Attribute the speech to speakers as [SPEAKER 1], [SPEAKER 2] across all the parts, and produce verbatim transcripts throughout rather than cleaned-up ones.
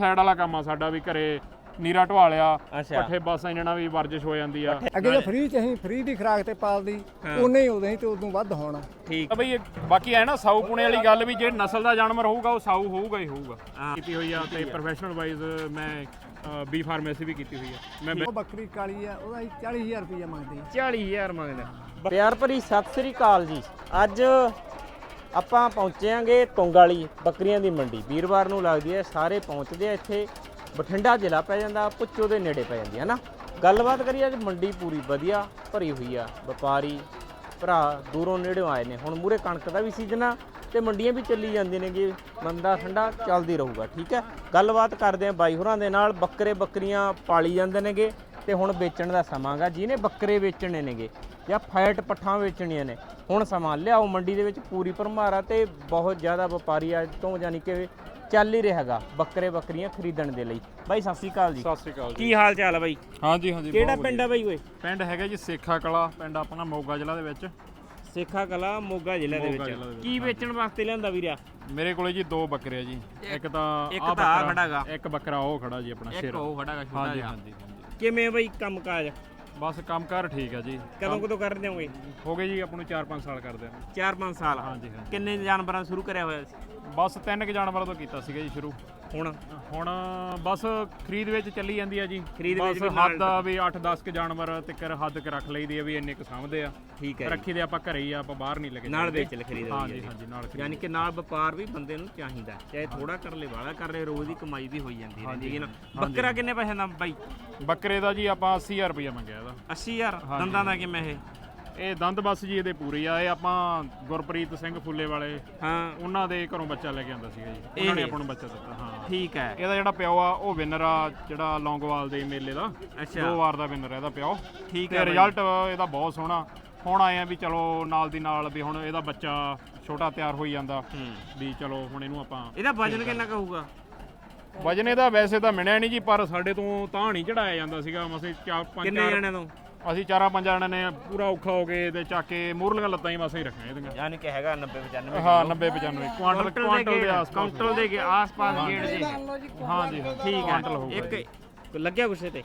[SPEAKER 1] Side ਵਾਲਾ ਕੰਮ ਆ ਸਾਡਾ ਵੀ ਘਰੇ ਨੀਰਾ ਢਵਾ ਲਿਆ ਪੱਠੇ ਬਸ ਇਹਨਾਂ ਨਾਲ ਵੀ ਵਰਜਿਸ਼ ਹੋ ਜਾਂਦੀ ਆ।
[SPEAKER 2] ਅੱਗੇ ਤਾਂ ਫ੍ਰੀ ਚ ਅਸੀਂ ਫ੍ਰੀ ਦੀ ਖੁਰਾਕ ਤੇ ਪਾਲਦੀ ਉਹਨੇ ਹੀ ਉਦੋਂ ਹੀ ਤੇ ਉਦੋਂ ਵੱਧ ਹੋਣਾ।
[SPEAKER 1] ਠੀਕ ਬਈ ਬਾਕੀ ਐ ਨਾ ਸਾਊ ਪੁਣੇ ਵਾਲੀ ਗੱਲ ਵੀ ਜੇ ਨਸਲ ਦਾ ਜਾਨਵਰ ਹੋਊਗਾ ਉਹ ਸਾਊ ਹੋਊਗਾ ਹੀ ਹੋਊਗਾ। ਕੀਤੀ ਹੋਈ ਆ ਤੇ ਪ੍ਰੋਫੈਸ਼ਨਲ ਵਾਈਜ਼ ਮੈਂ ਬੀ ਫਾਰਮੇਸੀ ਵੀ ਕੀਤੀ ਹੋਈ ਆ। ਮੈਂ
[SPEAKER 2] ਉਹ ਬੱਕਰੀ ਕਾਲੀ ਆ ਉਹਦਾ ਚਾਲੀ ਹਜ਼ਾਰ ਰੁਪਇਆ ਮੰਗਦੇ
[SPEAKER 3] ਚਾਲੀ ਹਜ਼ਾਰ ਮੰਗਦਾ। ਪਿਆਰ ਭਰੀ ਸਤਿ ਸ੍ਰੀ ਅਕਾਲ ਜੀ। ਅੱਜ ਆਪਾਂ ਪਹੁੰਚਾਂਗੇ ਟੁੰਗ ਵਾਲੀ ਬੱਕਰੀਆਂ ਦੀ ਮੰਡੀ। ਵੀਰਵਾਰ ਨੂੰ ਲੱਗਦੀ ਹੈ, ਸਾਰੇ ਪਹੁੰਚਦੇ ਆ ਇੱਥੇ। ਬਠਿੰਡਾ ਜ਼ਿਲ੍ਹਾ ਪੈ ਜਾਂਦਾ, ਪੁੱਚੋ ਦੇ ਨੇੜੇ ਪੈ ਜਾਂਦੀ ਹੈ ਨਾ। ਗੱਲਬਾਤ ਕਰੀਏ ਅੱਜ ਮੰਡੀ ਪੂਰੀ ਵਧੀਆ ਭਰੀ ਹੋਈ ਆ। ਵਪਾਰੀ ਭਰਾ ਦੂਰੋਂ ਨੇੜਿਓਂ ਆਏ ਨੇ। ਹੁਣ ਮੂਰੇ ਕਣਕ ਦਾ ਵੀ ਸੀਜ਼ਨ ਆ ਤੇ ਮੰਡੀਆਂ ਵੀ ਚੱਲੀ ਜਾਂਦੀਆਂ ਨੇਗੇ। ਮੰਦਾ ਠੰਡਾ ਚੱਲਦੀ ਰਹੂਗਾ। ਠੀਕ ਹੈ, ਗੱਲਬਾਤ ਕਰਦੇ ਆ ਬਾਈ ਹੋਰਾਂ ਦੇ ਨਾਲ। ਬੱਕਰੇ ਬੱਕਰੀਆਂ ਪਾਲੀ ਜਾਂਦੇ ਨੇਗੇ ਤੇ ਹੁਣ ਵੇਚਣ ਦਾ ਸਮਾਂ ਗਾ। ਜਿਹਨੇ ਬੱਕਰੇ ਵੇਚਣੇ ਨੇਗੇ ਜਾਂ ਫੈਟ ਪੱਠਾਂ ਵੇਚਣੀਆਂ ਨੇ, ਹੁਣ ਸਮਾਂ ਲਿਆਓ। ਮੰਡੀ ਦੇ ਵਿੱਚ ਪੂਰੀ ਭਰਮਾਰ ਆ ਤੇ ਬਹੁਤ ਜ਼ਿਆਦਾ ਵਪਾਰੀ ਅੱਜ ਤੋਂ ਯਾਨੀ ਕਿ ਚੱਲ ਹੀ ਰਿਹਾਗਾ ਬੱਕਰੇ ਬੱਕਰੀਆਂ ਖਰੀਦਣ ਦੇ ਲਈ। ਬਾਈ ਸਤਿ ਸ੍ਰੀ ਅਕਾਲ ਜੀ।
[SPEAKER 1] ਸਤਿ ਸ੍ਰੀ ਅਕਾਲ ਜੀ।
[SPEAKER 3] ਕੀ ਹਾਲ ਚਾਲ ਆ ਬਾਈ?
[SPEAKER 1] ਹਾਂਜੀ ਹਾਂਜੀ।
[SPEAKER 3] ਕਿਹੜਾ ਪਿੰਡ ਆ ਬਾਈ ਓਏ?
[SPEAKER 1] ਪਿੰਡ ਹੈਗਾ ਜੀ ਸੇਖਾ ਕਲਾ, ਪਿੰਡ ਆਪਣਾ ਮੋਗਾ ਜ਼ਿਲ੍ਹਾ ਦੇ ਵਿੱਚ।
[SPEAKER 3] ਸੇਖਾ ਕਲਾ ਮੋਗਾ ਜ਼ਿਲ੍ਹੇ ਦੇ ਵਿੱਚ। ਕੀ ਵੇਚਣ ਵਾਸਤੇ ਲਿਆਂਦਾ ਵੀਰਿਆ?
[SPEAKER 1] ਮੇਰੇ ਕੋਲੇ ਜੀ ਦੋ ਬੱਕਰੇ ਆ ਜੀ। ਇੱਕ ਤਾਂ
[SPEAKER 3] ਇੱਕ
[SPEAKER 1] ਆਹ
[SPEAKER 3] ਤਾਂ ਆ
[SPEAKER 1] ਬੱਕਰਾ,
[SPEAKER 3] ਖੜਾਗਾ।
[SPEAKER 1] ਇੱਕ ਬੱਕਰਾ ਉਹ ਖੜਾ ਜੀ ਆਪਣਾ
[SPEAKER 3] ਇੱਕ
[SPEAKER 1] ਸ਼ੇਰ।
[SPEAKER 3] ਉਹ ਖੜਾਗਾ ਛੋਟਾ
[SPEAKER 1] ਹਾਂਜੀ
[SPEAKER 3] ਜਿਹਾ।
[SPEAKER 1] ਹਾਂਜੀ ਹਾਂਜੀ।
[SPEAKER 3] ਕਿਵੇਂ ਬਾਈ ਕੰਮ ਕਾਜ?
[SPEAKER 1] ਬਸ ਕੰਮਕਾਰ ਠੀਕ ਆ ਜੀ।
[SPEAKER 3] ਕਦੋਂ ਕਦੋਂ ਕਰ ਦਿਓਗੇ?
[SPEAKER 1] ਹੋ ਗਏ ਜੀ ਆਪਾਂ ਨੂੰ ਚਾਰ ਪੰਜ ਸਾਲ ਕਰਦੇ ਆ।
[SPEAKER 3] ਚਾਰ ਪੰਜ ਸਾਲ।
[SPEAKER 1] ਹਾਂਜੀ ਹਾਂਜੀ।
[SPEAKER 3] ਕਿੰਨੇ ਜਾਨਵਰਾਂ ਸ਼ੁਰੂ ਕਰਿਆ ਹੋਇਆ ਸੀ?
[SPEAKER 1] ਬਸ ਤਿੰਨ ਕੁ ਜਾਨਵਰਾਂ ਤੋਂ ਕੀਤਾ ਸੀਗਾ ਜੀ ਸ਼ੁਰੂ।
[SPEAKER 3] ਹੁਣ
[SPEAKER 1] ਹੁਣ ਬਸ ਖਰੀਦ ਵਿੱਚ ਚੱਲੀ ਜਾਂਦੀ ਆ ਜੀ।
[SPEAKER 3] ਖਰੀਦ ਵਿੱਚ
[SPEAKER 1] ਬਸ
[SPEAKER 3] ਵੀ ਨਾਲ
[SPEAKER 1] ਹੱਦ ਆ ਵੀ ਅੱਠ ਦਸ ਕੁ ਜਾਨਵਰ ਤਿੱਕਰ ਹੱਦ ਕੇ ਰੱਖ ਲਈਦੀ ਆ ਵੀ ਇੰਨੇ ਕੁ ਸਾਂਭਦੇ ਆ।
[SPEAKER 3] ਠੀਕ ਹੈ।
[SPEAKER 1] ਰੱਖੀ ਦੇ ਆਪਾਂ ਘਰੇ ਹੀ ਆ, ਆਪਾਂ ਬਾਹਰ ਨਹੀਂ ਲੱਗੇ
[SPEAKER 3] ਨਾਲ ਵੇਚ ਲੈ ਖਰੀਦ।
[SPEAKER 1] ਹਾਂਜੀ ਹਾਂਜੀ ਨਾਲ ਖਰੀਦ।
[SPEAKER 3] ਯਾਨੀ ਕਿ ਨਾਲ ਵਪਾਰ ਵੀ ਬੰਦੇ ਨੂੰ ਚਾਹੀਦਾ, ਚਾਹੇ ਥੋੜਾ ਕਰ ਲੇ ਵਾਲਾ ਕਰ ਲੇ, ਰੋਜ਼ ਦੀ ਕਮਾਈ ਵੀ ਹੋਈ ਜਾਂਦੀ ਰਹਿੰਦੀ ਹੈ ਨਾ। ਬੱਕਰਾ ਕਿੰਨੇ ਪੈਸੇ ਦਾ ਬਾਈ?
[SPEAKER 1] ਬੱਕਰੇ ਦਾ ਜੀ ਆਪਾਂ ਅੱਸੀ ਹਜ਼ਾਰ ਰੁਪਇਆ ਮੰਗਿਆ ਇਹਦਾ।
[SPEAKER 3] ਅੱਸੀ ਹਜ਼ਾਰ। ਦੰਦਾਂ ਦਾ ਕਿਵੇਂ ਇਹ?
[SPEAKER 1] ਇਹ ਦੰਦ ਬਸ ਜੀ ਇਹਦੇ ਪੂਰੇ ਆ। ਇਹ ਆਪਾਂ ਗੁਰਪ੍ਰੀਤ ਸਿੰਘ ਫੁੱਲੇ ਵਾਲੇ,
[SPEAKER 3] ਹਾਂ,
[SPEAKER 1] ਉਹਨਾਂ ਦੇ ਘਰੋਂ ਬੱਚਾ ਲੈ ਕੇ ਆਂਦਾ ਸੀਗਾ ਜੀ। ਉਹਨਾਂ ਨੇ ਆਪਾਂ ਨੂੰ ਬੱਚਾ ਦਿੱਤਾ। ਹਾਂ
[SPEAKER 3] ਠੀਕ ਹੈ।
[SPEAKER 1] ਇਹਦਾ ਜਿਹੜਾ ਪਿਓ ਆ ਉਹ ਵਿਨਰ ਆ, ਜਿਹੜਾ ਲੌਂਗੋਵਾਲ ਦੇ ਮੇਲੇ ਦਾ
[SPEAKER 3] ਅੱਛਾ।
[SPEAKER 1] ਦੋ ਵਾਰ ਦਾ ਵਿਨਰ ਇਹਦਾ ਪਿਓ।
[SPEAKER 3] ਠੀਕ
[SPEAKER 1] ਤੇ
[SPEAKER 3] ਹੈ।
[SPEAKER 1] ਰਿਜ਼ਲਟ ਇਹਦਾ ਬਹੁਤ ਸੋਹਣਾ। ਹੁਣ ਆਏ ਆ ਵੀ ਚਲੋ ਨਾਲ ਦੀ ਨਾਲ ਵੀ ਹੁਣ ਇਹਦਾ ਬੱਚਾ ਛੋਟਾ ਤਿਆਰ ਹੋਈ ਜਾਂਦਾ ਵੀ ਚਲੋ ਹੁਣ ਇਹਨੂੰ ਆਪਾਂ।
[SPEAKER 3] ਇਹਦਾ ਵਜਨ ਕਿੰਨਾ ਕੁ ਹੋਊਗਾ?
[SPEAKER 1] ਵਜਨ ਇਹਦਾ ਵੈਸੇ ਤਾਂ ਮਿਲਿਆ ਨਹੀਂ ਜੀ, ਪਰ ਸਾਡੇ ਤੋਂ ਤਾਂ ਨਹੀਂ ਚੜਾਇਆ ਜਾਂਦਾ ਸੀਗਾ। ਮਸੇ ਚਾਰ ਪੰਜ
[SPEAKER 3] ਕਿੰਨੇ ਜਣਿਆਂ ਤੋਂ?
[SPEAKER 1] ਅਸੀਂ ਚਾਰਾਂ ਪੰਜਾਂ ਜਣਿਆਂ ਨੇ ਪੂਰਾ ਔਖਾ ਹੋ ਕੇ ਤੇ ਚੱਕ ਕੇ ਮੂਰਲੀਆਂ ਲੱਤਾਂ ਹੀ ਮਸੇ ਹੀ ਰੱਖੀਆਂ ਇਹਦੀਆਂ।
[SPEAKER 3] ਯਾਨੀ ਕਿ ਹੈਗਾ ਨੱਬੇ ਪਚਾਨਵੇਂ।
[SPEAKER 1] ਹਾਂ ਨੱਬੇ ਪਚਾਨਵੇਂ ਕੁਆਂਟਲ ਕੁਆਂਟਲ ਦੇ ਆਸ-ਪਾਸ।
[SPEAKER 3] ਕੁਆਂਟਲ ਦੇ ਆਸ-ਪਾਸ ਗੇੜ ਦੇ।
[SPEAKER 1] ਹਾਂਜੀ
[SPEAKER 3] ਠੀਕ
[SPEAKER 1] ਕੁਆਂਟਲ
[SPEAKER 3] ਹੈ।
[SPEAKER 1] ਹੋਊਗਾ।
[SPEAKER 3] ਇੱਕ ਲੱਗਿਆ ਗੁੱਸੇ ਤੇ?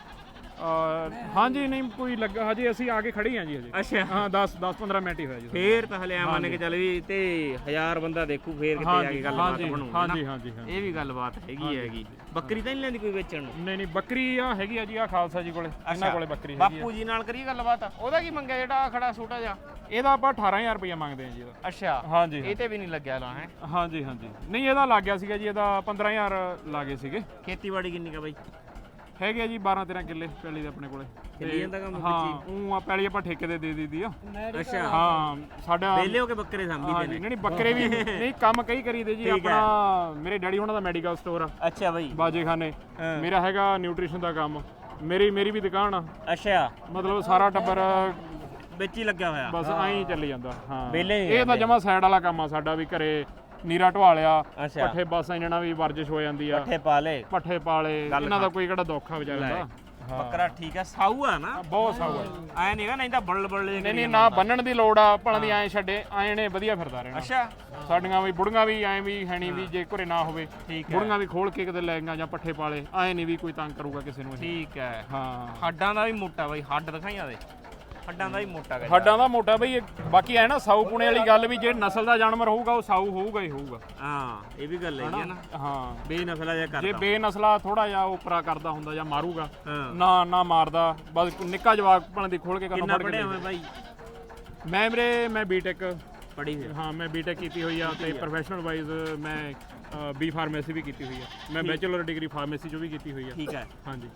[SPEAKER 1] ਹਾਂਜੀ ਨਹੀਂ ਕੋਈ ਲੱਗਾ ਹਜੇ, ਅਸੀਂ ਆ ਕੇ ਖੜੇ ਹਾਂ ਜੀ ਹਜੇ।
[SPEAKER 3] ਅੱਛਾ।
[SPEAKER 1] ਹਾਂ ਦਸ ਦਸ ਪੰਦਰਾਂ ਮਿੰਟ ਹੀ ਹੋਇਆ ਜੀ।
[SPEAKER 3] ਫੇਰ ਤਾਂ ਹਲੇ ਆ ਮੰਨ ਕੇ ਚੱਲ ਵੀ ਤੇ ਹਜ਼ਾਰ ਬੰਦਾ ਦੇਖੂ ਫੇਰ ਕਿਤੇ ਜਾ ਕੇ ਗੱਲਬਾਤ ਬਣੂ।
[SPEAKER 1] ਹਾਂਜੀ ਹਾਂਜੀ ਹਾਂਜੀ।
[SPEAKER 3] ਇਹ ਵੀ ਗੱਲਬਾਤ ਹੈਗੀ ਹੈਗੀ। ਬੱਕਰੀ ਤਾਂ ਨਹੀਂ ਲੈਂਦੀ ਕੋਈ ਵੇਚਣ ਨੂੰ?
[SPEAKER 1] ਨਹੀਂ ਨਹੀਂ ਬੱਕਰੀ ਆ ਹੈਗੀ ਆ ਜੀ, ਆ ਖਾਲਸਾ ਜੀ ਕੋਲੇ। ਇਹਨਾਂ ਕੋਲੇ ਬੱਕਰੀ ਹੈਗੀ
[SPEAKER 3] ਬਾਪੂ ਜੀ ਨਾਲ ਕਰੀਏ ਗੱਲਬਾਤ। ਉਹਦਾ ਕੀ ਮੰਗਿਆ ਜਿਹੜਾ ਆ ਖੜਾ ਛੋਟਾ ਜਿਹਾ?
[SPEAKER 1] ਇਹਦਾ ਆਪਾਂ ਅਠਾਰਾਂ ਹਜ਼ਾਰ ਰੁਪਇਆ ਮੰਗਦੇ ਆ ਜੀ ਇਹਦਾ।
[SPEAKER 3] ਅੱਛਾ।
[SPEAKER 1] ਹਾਂਜੀ
[SPEAKER 3] ਇਹ ਤੇ ਵੀ ਨਹੀਂ ਲੱਗਿਆ ਲਾ ਹੈ?
[SPEAKER 1] ਹਾਂਜੀ ਹਾਂਜੀ। ਨਹੀਂ ਇਹਦਾ ਲੱਗ ਗਿਆ ਸੀਗਾ ਜੀ, ਇਹਦਾ ਪੰਦਰਾਂ ਹਜ਼ਾਰ ਲਾਗੇ ਸੀਗੇ।
[SPEAKER 3] ਖੇਤੀਬਾੜੀ ਕਿੰਨੀ ਕਾ ਬਾਈ?
[SPEAKER 1] ਹੈਗੇ ਆ ਜੀ ਬਾਰਾਂ ਤੇਰਾਂ ਕਿੱਲੇ ਪੈਲੀ ਦੇ ਆਪਣੇ ਕੋਲੇ।
[SPEAKER 3] ਚੱਲੀ ਜਾਂਦਾ ਕੰਮ?
[SPEAKER 1] ਹਾਂ ਉਹ ਆ ਪੈਲੀ ਆਪਾਂ ਠੇਕੇ ਤੇ ਦੇ ਦਿੱਤੀ ਆ।
[SPEAKER 3] ਅੱਛਾ।
[SPEAKER 1] ਹਾਂ ਸਾਡਾ
[SPEAKER 3] ਵੇਲੇ ਹੋ ਕੇ ਬੱਕਰੇ ਸਾਂਭੀ
[SPEAKER 1] ਹਾਂ
[SPEAKER 3] ਦੇ
[SPEAKER 1] ਜੀ। ਨਹੀਂ ਨਹੀਂ ਬੱਕਰੇ ਵੀ ਨਹੀਂ ਕੰਮ ਕਈ ਕਰੀਦੇ ਜੀ। ਆਪਣਾ ਮੇਰੇ ਡੈਡੀ ਉਹਨਾਂ ਦਾ ਮੈਡੀਕਲ ਸਟੋਰ ਆ
[SPEAKER 3] ਅੱਛਾ ਬਾਈ
[SPEAKER 1] ਬਾਜੇਖਾਨੇ। ਮੇਰਾ ਹੈਗਾ ਨਿਊਟ੍ਰੀਸ਼ਨ ਦਾ ਕੰਮ। ਮੇਰੀ ਮੇਰੀ ਵੀ ਦੁਕਾਨ ਆ।
[SPEAKER 3] ਅੱਛਾ।
[SPEAKER 1] ਮਤਲਬ ਸਾਰਾ ਟੱਬਰ
[SPEAKER 3] ਵਿੱਚ ਹੀ ਲੱਗਿਆ ਹੋਇਆ
[SPEAKER 1] ਬਸ ਐਂ ਚੱਲੀ ਜਾਂਦਾ। ਹਾਂ
[SPEAKER 3] ਵਿਹਲੇ
[SPEAKER 1] ਇਹ ਤਾਂ ਜਮਾ ਸਾਈਡ ਵਾਲਾ ਕੰਮ ਆ ਸਾਡਾ ਵੀ। ਘਰੇ ਨੀਰਾ ਢਵਾ ਲਿਆ
[SPEAKER 3] ਅੱਛਾ।
[SPEAKER 1] ਪੱਠੇ ਬਸ ਇਹਨਾਂ ਨਾਲ ਵੀ ਵਰਜਿਸ਼ ਹੋ ਜਾਂਦੀ ਆ।
[SPEAKER 3] ਪੱਠੇ ਪਾ ਲੇ,
[SPEAKER 1] ਪੱਠੇ ਪਾਲੇ, ਇਹਨਾਂ ਦਾ ਕੋਈ ਕਿਹੜਾ ਦੁੱਖ ਆ ਵਿਚਾਰਿਆਂ ਦਾ।
[SPEAKER 3] ਬੱਕਰਾ ਠੀਕ ਆ, ਸਾਊ ਆ ਨਾ?
[SPEAKER 1] ਬਹੁਤ ਸਾਊ ਆ।
[SPEAKER 3] ਐ ਨਹੀਂਗਾ ਨਹੀਂ ਤਾਂ ਬੜਲ ਬੜਲ
[SPEAKER 1] ਨਹੀਂ ਨਹੀਂ ਨਾ ਬੰਨਣ ਦੀ ਲੋੜ ਆ। ਭਲਾਂ ਦੀ ਐਂ ਛੱਡੇ ਐਂ ਨੇ ਵਧੀਆ ਫਿਰਦਾ ਰਹਿਣਾ।
[SPEAKER 3] ਅੱਛਾ।
[SPEAKER 1] ਸਾਡੀਆਂ ਵੀ ਬੁੜੀਆਂ ਵੀ ਐਂ ਵੀ ਹੈ ਨਹੀਂ ਵੀ ਜੇ ਘਰੇ ਨਾ ਹੋਵੇ
[SPEAKER 3] ਠੀਕ ਹੈ।
[SPEAKER 1] ਬੁੜੀਆਂ ਵੀ ਖੋਲ ਕੇ ਕਿਤੇ ਲੈ ਗਈਆਂ ਜਾਂ ਪੱਠੇ ਪਾਲੇ, ਐਂ ਨਹੀਂ ਵੀ ਕੋਈ ਤੰਗ ਕਰੂਗਾ ਕਿਸੇ ਨੂੰ।
[SPEAKER 3] ਠੀਕ ਹੈ।
[SPEAKER 1] ਹਾਂ
[SPEAKER 3] ਹੱਡਾਂ ਦਾ ਵੀ ਮੋਟਾ ਬਾਈ, ਹੱਡ ਦਿਖਾਈਆਂ ਦੇ। ਹੱਡਾਂ ਦਾ ਵੀ ਮੋਟਾ ਗਾ।
[SPEAKER 1] ਹੱਡਾਂ ਦਾ ਮੋਟਾ ਬਈ। ਬਾਕੀ ਐ ਨਾ ਸਾਊ ਪੁਣੇ ਵਾਲੀ ਗੱਲ ਵੀ ਜੇ ਨਸਲ ਦਾ ਜਾਨਵਰ ਹੋਊਗਾ ਉਹ ਸਾਊ ਹੋਊਗਾ ਹੀ ਹੋਊਗਾ।
[SPEAKER 3] ਹਾਂ ਇਹ ਵੀ ਗੱਲ ਹੈਗੀ ਹੈ ਨਾ।
[SPEAKER 1] ਹਾਂ
[SPEAKER 3] ਬੇਨਸਲਾ ਜਿਹਾ ਕਰਦਾ।
[SPEAKER 1] ਜੇ ਬੇਨਸਲਾ ਥੋੜਾ ਜਿਹਾ ਉਪਰਾ ਕਰਦਾ ਹੁੰਦਾ ਜਾਂ ਮਾਰੂਗਾ
[SPEAKER 3] ਹਾਂ।
[SPEAKER 1] ਨਾ ਨਾ ਮਾਰਦਾ ਬਸ ਨਿੱਕਾ ਜਵਾਕ ਭਣ ਦੀ ਖੋਲ ਕੇ ਕੰਨ
[SPEAKER 3] ਕਿੰਨਾ
[SPEAKER 1] ਫੜ ਕੇ।
[SPEAKER 3] ਪੜਿਆ ਹੋਇਆ ਬਾਈ?
[SPEAKER 1] ਮੈਂ ਵੀਰੇ ਮੈਂ ਬੀਟੈਕ
[SPEAKER 3] ਪੜ੍ਹੀ ਹੋਈ?
[SPEAKER 1] ਹਾਂ ਮੈਂ ਬੀਟੈਕ ਕੀਤੀ ਹੋਈ ਆ ਤੇ ਪ੍ਰੋਫੈਸ਼ਨਲ ਵਾਈਜ਼ ਮੈਂ ਬੀ ਫਾਰਮੇਸੀ ਵੀ ਕੀਤੀ ਹੋਈ ਆ। ਮੈਂ ਬੈਚਲਰ ਡਿਗਰੀ ਫਾਰਮੇਸੀ ਚੋਂ ਵੀ ਕੀਤੀ ਹੋਈ ਆ।
[SPEAKER 3] ਠੀਕ ਹੈ।
[SPEAKER 1] ਹਾਂਜੀ।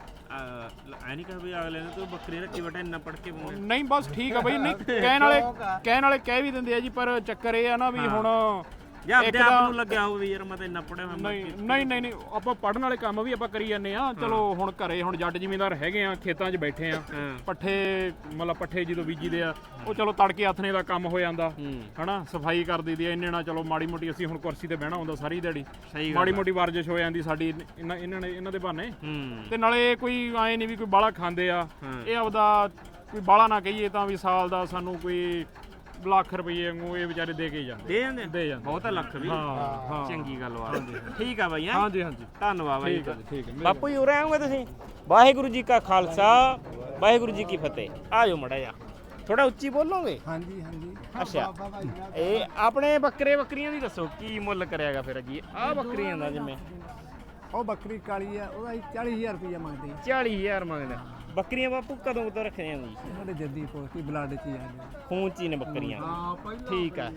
[SPEAKER 3] ਐ ਨਹੀਂ ਕਹ ਵੀ ਅਗਲੇ ਨੇ ਤੂੰ ਬੱਕਰੀ ਰੱਖੀ ਬਟਾ ਇੰਨਾ ਪੜ ਕੇ ਪਾਉਂਦੇ।
[SPEAKER 1] ਨਹੀਂ ਬਸ ਠੀਕ ਆ ਬਈ। ਨਹੀਂ ਕਹਿਣ ਵਾਲੇ ਕਹਿਣ ਵਾਲੇ ਕਹਿ ਵੀ ਦਿੰਦੇ ਆ ਜੀ, ਪਰ ਚੱਕਰ ਇਹ ਆ ਨਾ ਵੀ ਹੁਣ
[SPEAKER 3] ਜਾਂ ਆਪਣੇ ਆਪ ਨੂੰ ਲੱਗਿਆ ਹੋਵੇ ਯਾਰ ਮੈਂ ਤਾਂ ਇੰਨਾ ਪੜਿਆ ਹੋਇਆ।
[SPEAKER 1] ਨਹੀਂ ਨਹੀਂ ਨਹੀਂ ਨਹੀਂ ਆਪਾਂ ਪੜਨ ਵਾਲੇ ਕੰਮ ਵੀ ਆਪਾਂ ਕਰੀ ਜਾਂਦੇ ਆ। ਚਲੋ ਹੁਣ ਘਰੇ ਹੁਣ ਜੱਟ ਜ਼ਿਮੀਂਦਾਰ ਹੈਗੇ ਆ, ਖੇਤਾਂ 'ਚ ਬੈਠੇ ਆ। ਪੱਠੇ ਮਤਲਬ ਪੱਠੇ ਜਦੋਂ ਬੀਜੀਦੇ ਆ ਉਹ ਚਲੋ ਤੜਕੇ ਆਥਣੇ ਦਾ ਕੰਮ ਹੋ ਜਾਂਦਾ ਹਨਾ। ਸਫਾਈ ਕਰ ਦਈਦੀ ਆ ਇੰਨੇ ਨਾਲ। ਚਲੋ ਮਾੜੀ ਮੋਟੀ ਅਸੀਂ ਹੁਣ ਕੁਰਸੀ ਤੇ ਬਹਿਣਾ ਹੁੰਦਾ ਸਾਰੀ ਦਿਹਾੜੀ, ਮਾੜੀ ਮੋਟੀ ਵਰਜਿਸ਼ ਹੋ ਜਾਂਦੀ ਸਾਡੀ ਇਹਨਾਂ ਇਹਨਾਂ ਨੇ ਇਹਨਾਂ ਦੇ ਬਹਾਨੇ। ਤੇ ਨਾਲੇ ਕੋਈ ਐਂ ਨਹੀਂ ਵੀ ਕੋਈ ਬਾਹਲਾ ਖਾਂਦੇ ਆ। ਇਹ ਆਪਦਾ ਕੋਈ ਬਾਹਲਾ ਨਾ ਕਹੀਏ ਤਾਂ ਵੀ ਸਾਲ ਦਾ ਸਾਨੂੰ ਕੋਈ ਲੱਖ ਰੁਪਏ ਵਾਂਗੂ ਇਹ ਵਿਚਾਰੇ ਦੇ ਕੇ ਜਾਂਦੇ
[SPEAKER 3] ਦੇ ਜਾਂਦੇ
[SPEAKER 1] ਦੇ ਜਾਂਦੇ
[SPEAKER 3] ਬਹੁਤ ਲੱਖ ਵੀ
[SPEAKER 1] ਹਾਂ ਹਾਂ
[SPEAKER 3] ਚੰਗੀ ਗੱਲ ਵਾ ਠੀਕ ਆ ਬਾਈ ਹੈਂ?
[SPEAKER 1] ਹਾਂਜੀ ਹਾਂਜੀ
[SPEAKER 3] ਧੰਨਵਾਦ ਬਾਈ
[SPEAKER 1] ਠੀਕ ਹੈ ਜੀ, ਠੀਕ ਹੈ
[SPEAKER 3] ਬਾਪੂ ਜੀ ਉਰੇ ਆਉਂਗੇ ਤੁਸੀਂ ਵਾਹਿਗੁਰੂ ਜੀ ਕਾ ਖਾਲਸਾ ਵਾਹਿਗੁਰੂ ਜੀ ਕੀ ਫਤਿਹ ਆ ਜਾਓ ਮੜਾ ਜਾ ਥੋੜਾ ਉੱਚੀ ਬੋਲੋਗੇ
[SPEAKER 2] ਹਾਂਜੀ ਹਾਂਜੀ
[SPEAKER 3] ਅੱਛਾ ਇਹ ਆਪਣੇ ਬੱਕਰੇ ਬੱਕਰੀਆਂ ਦੀ ਦੱਸੋ ਕੀ ਮੁੱਲ ਕਰਿਆਗਾ ਫਿਰ ਜੀ ਆਹ ਬੱਕਰੀਆਂ ਦਾ ਜਿਵੇਂ
[SPEAKER 2] ਉਹ ਬੱਕਰੀ ਕਾਲੀ ਆ ਉਹਦਾ ਅਸੀਂ ਚਾਲੀ ਹਜ਼ਾਰ ਰੁਪਇਆ ਮੰਗਦੇ
[SPEAKER 3] ਚਾਲੀ ਹਜ਼ਾਰ ਮੰਗਦਾ ਬੱਕਰੀਆਂ ਬਾਪੂ ਕਦੋਂ ਕਦੋਂ ਰੱਖੀਆਂ ਜੀ
[SPEAKER 2] ਸਾਡੇ ਜੱਦੀ ਪੋਸਤੀ ਬਲੱਡ ਚ ਹੀ ਆ ਗਏ
[SPEAKER 3] ਖੂਨ ਚ ਹੀ ਨੇ ਬੱਕਰੀਆਂ
[SPEAKER 2] ਹਾਂ ਪਹਿਲਾਂ
[SPEAKER 3] ਠੀਕ ਆ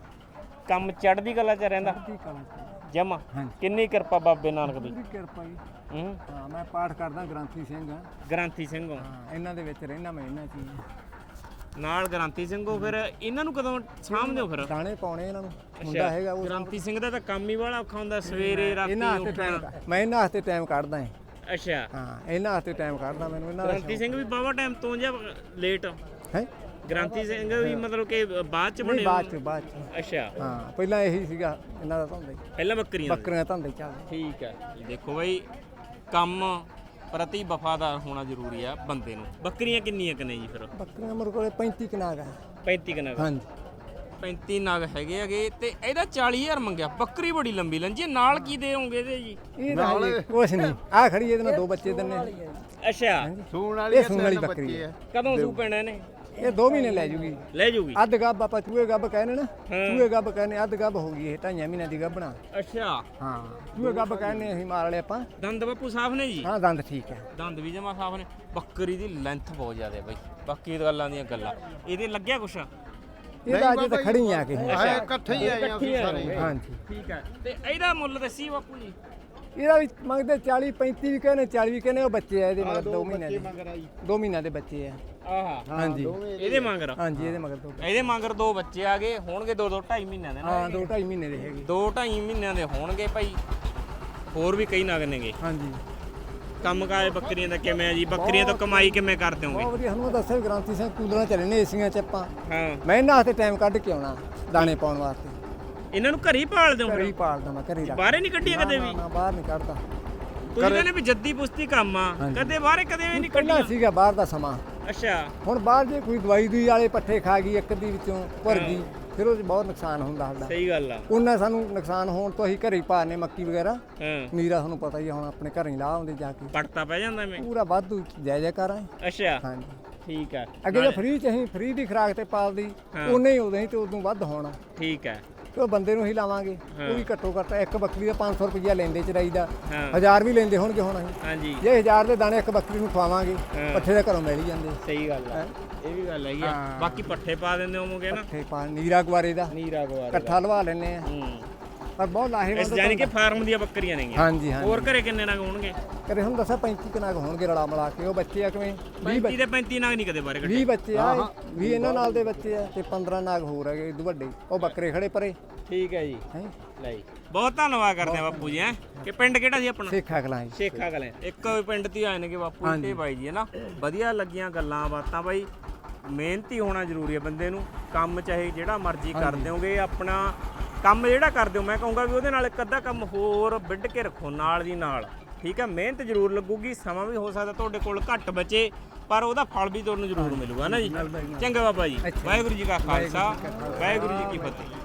[SPEAKER 3] ਕੰਮ ਚੜ੍ਹਦੀ ਕਲਾ ਚ ਰਹਿੰਦਾ
[SPEAKER 2] ਕੀ ਕਰਾਂ
[SPEAKER 3] ਜਮਾ
[SPEAKER 2] ਹਾਂਜੀ
[SPEAKER 3] ਕਿੰਨੀ ਕਿਰਪਾ ਬਾਬੇ ਨਾਨਕ ਦੀ
[SPEAKER 2] ਪੂਰੀ ਕਿਰਪਾ ਜੀ
[SPEAKER 3] ਹੂੰ
[SPEAKER 2] ਹਾਂ ਮੈਂ ਪਾਠ ਕਰਦਾ ਗ੍ਰੰਥੀ ਸਿੰਘ ਆ
[SPEAKER 3] ਗ੍ਰਾਂਥੀ ਸਿੰਘ ਹੋ
[SPEAKER 2] ਹਾਂ ਇਹਨਾਂ ਦੇ ਵਿੱਚ ਰਹਿਣਾ ਮੈਂ ਇਹਨਾਂ ਚ ਹੀ
[SPEAKER 3] ਨਾਲ ਗ੍ਰਾਂਥੀ ਸਿੰਘ ਹੋ ਫਿਰ ਇਹਨਾਂ ਨੂੰ ਕਦੋਂ ਸਾਂਭਦੇ ਹੋ ਫਿਰ
[SPEAKER 2] ਦਾਣੇ ਪਾਉਣੇ ਇਹਨਾਂ ਨੂੰ ਮੁੰਡਾ ਹੈਗਾ ਉਹ
[SPEAKER 3] ਗ੍ਰਾਂਥੀ ਸਿੰਘ ਦਾ ਤਾਂ ਕੰਮ ਹੀ ਵਾਲਾ ਔਖਾ ਹੁੰਦਾ ਸਵੇਰੇ ਰਾਤੀ
[SPEAKER 2] ਇਹਨਾਂ ਹੱਥੇ
[SPEAKER 3] ਉੱਠਣਾ
[SPEAKER 2] ਟਾਈਮ ਮੈਂ ਇਹਨਾਂ ਹੱਥੇ ਟਾਈਮ ਕੱਢਦਾ ਹਾਂ
[SPEAKER 3] ਅੱਛਾ
[SPEAKER 2] ਹਾਂ ਇਹਨਾਂ ਹੱਥੇ ਟਾਈਮ ਕੱਢਦਾ ਮੈਨੂੰ ਇਹਨਾਂ ਦਾ
[SPEAKER 3] ਗ੍ਰਾਂਥੀ ਸਿੰਘ ਵੀ ਬਾਵਾ ਟਾਈਮ ਤੋਂ ਜਾਂ ਲੇਟ
[SPEAKER 2] ਹੈ
[SPEAKER 3] ਗ੍ਰਾਂਥੀ ਸਿੰਘ ਵੀ ਮਤਲਬ ਕਿ ਬਾਅਦ ਚ
[SPEAKER 2] ਨਹੀਂ
[SPEAKER 3] ਬਣੇ
[SPEAKER 2] ਬਾਅਦ ਚ ਬਾਅਦ ਚ
[SPEAKER 3] ਅੱਛਾ
[SPEAKER 2] ਹਾਂ ਪਹਿਲਾਂ ਇਹੀ ਸੀਗਾ ਇਹਨਾਂ ਦਾ ਧੰਦਾ ਹੀ
[SPEAKER 3] ਪਹਿਲਾਂ ਬੱਕਰੀਆਂ ਦਾ।
[SPEAKER 2] ਬੱਕਰੀਆਂ ਧੰਦੇ ਚੱਲਦੇ
[SPEAKER 3] ਠੀਕ ਹੈ ਇਹ ਦੇਖੋ ਬਈ ਕੰਮ ਪ੍ਰਤੀ ਵਫਾਦਾਰ ਹੋਣਾ ਜ਼ਰੂਰੀ ਆ ਬੰਦੇ ਨੂੰ ਬੱਕਰੀਆਂ ਕਿੰਨੀਆਂ ਕਨੇ ਜੀ ਫਿਰ
[SPEAKER 2] ਬੱਕਰੀਆਂ ਮੇਰੇ ਕੋਲੇ ਪੈਂਤੀ ਕਨਾਗ ਆ
[SPEAKER 3] ਪੈਂਤੀ ਕਨਾਗ
[SPEAKER 2] ਹਾਂਜੀ
[SPEAKER 3] ਪੈਂਤੀ ਨਗ ਹੈਗੇ ਹੈਗੇ ਤੇ ਇਹਦਾ ਚਾਲੀ ਹਜ਼ਾਰ ਮੰਗਿਆ ਬੱਕਰੀ ਬੜੀ ਲੰਬੀ ਲੰਜੀ ਨਾਲ ਕੀ ਦੇਵੋਗੇ ਇਹਦੇ ਜੀ
[SPEAKER 2] ਇਹ ਤਾਂ ਹਜੇ ਕੁਛ ਨਹੀਂ ਆ ਖੜੀ ਇਹਦੇ ਨਾਲ ਦੋ ਬੱਚੇ ਦਿੰਨੇ
[SPEAKER 3] ਅੱਛਾ
[SPEAKER 2] ਸੂਣ ਵਾਲੀ ਇਹ ਸੂਣ ਵਾਲੀ ਬੱਕਰੀ ਹੈ
[SPEAKER 3] ਕਦੋਂ ਸੂ ਪੈਣਾ ਇਹਨੇ
[SPEAKER 2] ਇਹ ਦੋ ਮਹੀਨੇ ਲੈ ਜੂਗੀ
[SPEAKER 3] ਲੈ ਜੂਗੀ
[SPEAKER 2] ਅੱਧ ਗੱਬ ਆਪਾਂ ਚੂਹੇ ਗੱਬ ਕਹਿੰਦੇ ਨਾ ਚੂਹੇ ਗੱਬ ਕਹਿੰਦੇ ਅੱਧ ਗੱਬ ਹੋ ਗਈ ਇਹ ਢਾਈਆਂ ਮਹੀਨਿਆਂ ਦੀ ਗੱਬਣਾ
[SPEAKER 3] ਅੱਛਾ
[SPEAKER 2] ਹਾਂ ਚੂਹੇ ਗੱਬ ਕਹਿੰਦੇ ਅਸੀਂ ਮਾਰ ਲਏ ਆਪਾਂ
[SPEAKER 3] ਦੰਦ ਬਾਪੂ ਸਾਫ ਨੇ ਜੀ
[SPEAKER 2] ਹਾਂ ਦੰਦ ਠੀਕ ਹੈ
[SPEAKER 3] ਦੰਦ ਵੀ ਜਮਾ ਸਾਫ ਨੇ ਬੱਕਰੀ ਦੀ ਲੈਂਥ ਬਹੁਤ ਜ਼ਿਆਦਾ ਬਈ ਬਾਕੀ ਗੱਲਾਂ ਦੀਆਂ ਗੱਲਾਂ ਇਹਦੇ ਲੱਗਿਆ ਕੁਛ
[SPEAKER 2] ਇਹਦਾ ਅਜੇ ਤਾਂ ਖੜੀ ਆ ਕੇ
[SPEAKER 3] ਇਕੱਠੇ ਹੀ ਆਏ ਸਾਰੇ
[SPEAKER 2] ਹਾਂਜੀ
[SPEAKER 3] ਠੀਕ ਹੈ ਤੇ ਇਹਦਾ ਮੁੱਲ ਦੱਸੀ ਬਾਪੂ ਜੀ
[SPEAKER 2] ਇਹਦਾ ਵੀ ਮੰਗਦੇ ਚਾਲੀ ਪੈਂਤੀ ਵੀ ਕਹਿੰਦੇ ਚਾਲੀ ਵੀ ਕਹਿੰਦੇ ਉਹ ਬੱਚੇ ਆ ਇਹਦੇ ਮਗਰ ਦੋ ਮਹੀਨਿਆਂ ਦੇ ਦੋ ਮਹੀਨਿਆਂ ਦੇ ਬੱਚੇ ਆ
[SPEAKER 3] ਆਹਾ
[SPEAKER 2] ਹਾਂਜੀ
[SPEAKER 3] ਇਹਦੇ ਮੰਗਰ
[SPEAKER 2] ਹਾਂਜੀ ਇਹਦੇ ਮਗਰ ਦੋ
[SPEAKER 3] ਇਹਦੇ ਮੰਗਰ ਦੋ ਬੱਚੇ ਆ ਗਏ ਹੋਣਗੇ ਦੋ ਦੋ ਢਾਈ ਮਹੀਨਿਆਂ ਦੇ ਨਾ
[SPEAKER 2] ਹਾਂ ਦੋ ਢਾਈ ਮਹੀਨੇ ਦੇ ਹੈਗੇ
[SPEAKER 3] ਦੋ ਢਾਈ ਮਹੀਨਿਆਂ ਦੇ ਹੋਣਗੇ ਭਾਈ ਹੋਰ ਵੀ ਕਈ ਨਗ ਨੇਗੇ
[SPEAKER 2] ਹਾਂਜੀ
[SPEAKER 3] ਕੰਮ ਕਾਜ ਬੱਕਰੀਆਂ ਦਾ ਕਿਵੇਂ ਆ ਜੀ ਬੱਕਰੀਆਂ ਤੋਂ ਕਮਾਈ ਕਿਵੇਂ ਕਰਦੇ ਹੋਗੇ
[SPEAKER 2] ਬਹੁਤ ਵਧੀਆ ਸਾਨੂੰ ਦੱਸਿਆ ਵੀ ਗ੍ਰਾਂਤੀ ਸਿੰਘ ਕੂਲਰਾਂ ਚੱਲੇ ਨੇ ਏਸੀਆਂ ਚ ਆਪਾਂ
[SPEAKER 3] ਹਾਂ
[SPEAKER 2] ਮੈਂ ਇਹਨਾਂ ਹੱਥੇ ਟਾਈਮ ਕੱਢ ਕੇ ਆਉਣਾ ਦਾਣੇ ਪਾਉਣ ਵਾਸਤੇ
[SPEAKER 3] ਇਹਨਾਂ ਨੂੰ ਘਰੇ ਹੀ ਪਾਲਦੇ ਹੋ
[SPEAKER 2] ਘਰੇ
[SPEAKER 3] ਫਿਰ
[SPEAKER 2] ਹੀ ਪਾਲਦਾ ਮੈਂ ਘਰੇ ਹੀ ਰੱਖ
[SPEAKER 3] ਬਾਹਰੇ ਨਹੀਂ ਕੱਢੀਆਂ ਕਦੇ ਵੀ
[SPEAKER 2] ਨਾ ਬਾਹਰ ਨਹੀਂ ਕੱਢਦਾ
[SPEAKER 3] ਤੁਸੀਂ ਕਹਿੰਦੇ ਵੀ ਜੱਦੀ ਪੁਸ਼ਤੀ ਕੰਮ ਆ ਕਦੇ ਬਾਹਰੇ ਕਦੇ ਵੀ ਨਹੀਂ
[SPEAKER 2] ਪਹਿਲਾਂ
[SPEAKER 3] ਕੱਢੀਆਂ
[SPEAKER 2] ਸੀਗਾ ਬਾਹਰ ਦਾ ਸਮਾਂ
[SPEAKER 3] ਅੱਛਾ
[SPEAKER 2] ਹੁਣ ਬਾਹਰ ਜੇ ਕੋਈ ਦਵਾਈ ਦੂਈ ਵਾਲੇ ਪੱਠੇ ਖਾ ਗਈ ਇੱਕ ਦੀ ਵਿੱਚੋਂ ਭਰ ਗਈ ਫਿਰ ਉਹ 'ਚ ਬਹੁਤ ਨੁਕਸਾਨ ਹੁੰਦਾ ਸਾਡਾ
[SPEAKER 3] ਸਹੀ ਗੱਲ ਆ
[SPEAKER 2] ਉਹਨਾਂ ਸਾਨੂੰ ਨੁਕਸਾਨ ਹੋਣ ਤੋਂ ਅਸੀਂ ਘਰੇ ਹੀ ਪਾਣੇ ਮੱਕੀ ਵਗੈਰਾ
[SPEAKER 3] ਹਾਂ
[SPEAKER 2] ਨੀਰਾ ਤੁਹਾਨੂੰ ਪਤਾ ਹੀ ਆ, ਹੁਣ ਆਪਣੇ ਘਰੇ ਹੀ ਲਾ ਆਉਂਦੇ ਜਾ ਕੇ
[SPEAKER 3] ਪੜਤਾ ਪੈ ਜਾਂਦਾ ਮੈਂ
[SPEAKER 2] ਪੂਰਾ ਵਾਧੂ ਜੈ ਜੈ ਕਰਾਂ
[SPEAKER 3] ਅੱਛਾ
[SPEAKER 2] ਹਾਂਜੀ
[SPEAKER 3] ਠੀਕ ਆ
[SPEAKER 2] ਅੱਗੇ ਜੇ ਫ੍ਰੀ ਚ ਅਸੀਂ ਫ੍ਰੀ ਦੀ ਖੁਰਾਕ ਤੇ ਪਾਲਦੀ ਉਹਨੇ ਹੀ ਉਦੋਂ ਹੀ ਤੇ ਉਦੋਂ ਵੱਧ ਹੋਣਾ
[SPEAKER 3] ਠੀਕ ਆ
[SPEAKER 2] ਤੇ ਉਹ ਬੰਦੇ ਨੂੰ ਹੀ ਲਾਵਾਂਗੇ ਉਹ ਵੀ ਘੱਟੋ ਘੱਟ ਇੱਕ ਬੱਕਰੀ ਦਾ ਪੰਜ ਸੌ ਰੁਪਈਆ ਲੈਂਦੇ ਚਰਾਈ ਦਾ
[SPEAKER 3] ਹਾਂ
[SPEAKER 2] ਹਜ਼ਾਰ ਵੀ ਲੈਂਦੇ ਹੋਣਗੇ ਹੁਣ ਅਸੀਂ
[SPEAKER 3] ਹਾਂਜੀ
[SPEAKER 2] ਜੇ ਹਜ਼ਾਰ ਦੇ ਦਾਣੇ ਇੱਕ ਬੱਕਰੀ ਨੂੰ ਖਵਾਵਾਂਗੇ ਪੱਠੇ ਦੇ ਘਰੋਂ ਮਿਲ ਹੀ ਜਾਂਦੇ
[SPEAKER 3] ਸਹੀ ਗੱਲ ਆ ਇਹ ਵੀ ਗੱਲ ਹੈਗੀ ਆ ਬਾਕੀ ਪੱਠੇ ਪਾ ਦਿੰਦੇ ਹੋਵੋਗੇ ਨਾ
[SPEAKER 2] ਪੱਠੇ ਪਾ ਨੀਰਾ ਗੁਆਰੇ ਦਾ
[SPEAKER 3] ਨੀਰਾ ਗਵਾਰ
[SPEAKER 2] ਇਕੱਠਾ ਲਵਾ ਲੈਨੇ ਆ
[SPEAKER 3] ਹੂੰ
[SPEAKER 2] ਪਰ ਬਹੁਤ ਲਾਹੇਵੰਦ
[SPEAKER 3] ਇਸ ਜਾਨੀ ਕਿ ਫਾਰਮ ਦੀਆਂ ਬੱਕਰੀਆਂ ਨੇਗੀਆਂ
[SPEAKER 2] ਹਾਂਜੀ ਹਾਂਜੀ
[SPEAKER 3] ਹੋਰ ਘਰੇ ਕਿੰਨੇ ਨਗ ਹੋਣਗੇ
[SPEAKER 2] ਕਰੇ ਹੁਣ ਦੱਸਾਂ ਪੈਂਤੀ ਕਨਾਕ ਹੋਣਗੇ ਰਲਾ ਮਿਲਾ ਕੇ ਉਹ ਬੱਚੇ ਆ ਕਿਵੇਂ
[SPEAKER 3] ਪੈਂਤੀ ਦੇ ਪੈਂਤੀ ਨਗ ਨਹੀਂ ਕਦੇ ਬਾਰੇ ਕੱਢੇ
[SPEAKER 2] ਵੀਹ ਬੱਚੇ ਆ ਵੀਹ ਇਹਨਾਂ ਨਾਲ ਦੇ ਬੱਚੇ ਆ ਤੇ ਪੰਦਰਾਂ ਨਾਗ ਹੋਰ ਹੈਗੇ ਇਦੋਂ ਵੱਡੇ ਉਹ ਬੱਕਰੇ ਖੜੇ ਪਰੇ
[SPEAKER 3] ਠੀਕ ਹੈ ਜੀ
[SPEAKER 2] ਹੈ
[SPEAKER 3] ਲੈ ਜੀ ਬਹੁਤ ਧੰਨਵਾਦ ਕਰਦੇ ਆ ਬਾਪੂ ਜੀ ਹੈ ਕਿ ਪਿੰਡ ਕਿਹੜਾ ਸੀ ਆਪਣਾ
[SPEAKER 2] ਸੇਖਾ ਕਲਾਂ ਜੀ
[SPEAKER 3] ਸ਼ੇਖਾ ਕਲੇ ਇੱਕ ਪਿੰਡ ਤੇ ਆਏ ਨੇਗੇ ਬਾਪੂ ਤੇ ਬਾਈ ਜੀ ਹੈ ਨਾ ਵਧੀਆ ਲੱਗੀਆਂ ਗੱਲਾਂ ਬਾਤਾਂ ਬਾਈ ਮਿਹਨਤੀ ਹੋਣਾ ਜ਼ਰੂਰੀ ਹੈ ਬੰਦੇ ਨੂੰ ਕੰਮ ਚਾਹੇ ਜਿਹੜਾ ਮਰਜ਼ੀ ਕਰ ਦਿਓਗੇ ਆਪਣਾ ਕੰਮ ਜਿਹੜਾ ਕਰਦੇ ਹੋ ਮੈਂ ਕਹੂੰਗਾ ਵੀ ਉਹਦੇ ਨਾਲ ਇੱਕ ਅੱਧਾ ਕੰਮ ਹੋਰ ਵਿੱਢ ਕੇ ਰੱਖੋ ਨਾਲ ਦੀ ਨਾਲ ਠੀਕ ਹੈ ਮਿਹਨਤ ਜ਼ਰੂਰ ਲੱਗੂਗੀ ਸਮਾਂ ਵੀ ਹੋ ਸਕਦਾ ਤੁਹਾਡੇ ਕੋਲ ਘੱਟ ਬਚੇ ਪਰ ਉਹਦਾ ਫਲ ਵੀ ਤੁਹਾਨੂੰ ਜ਼ਰੂਰ ਮਿਲੂਗਾ ਨਾ ਜੀ ਚੰਗਾ ਬਾਬਾ ਜੀ ਵਾਹਿਗੁਰੂ ਜੀ ਕਾ ਖਾਲਸਾ ਵਾਹਿਗੁਰੂ ਜੀ ਕੀ ਫਤਿਹ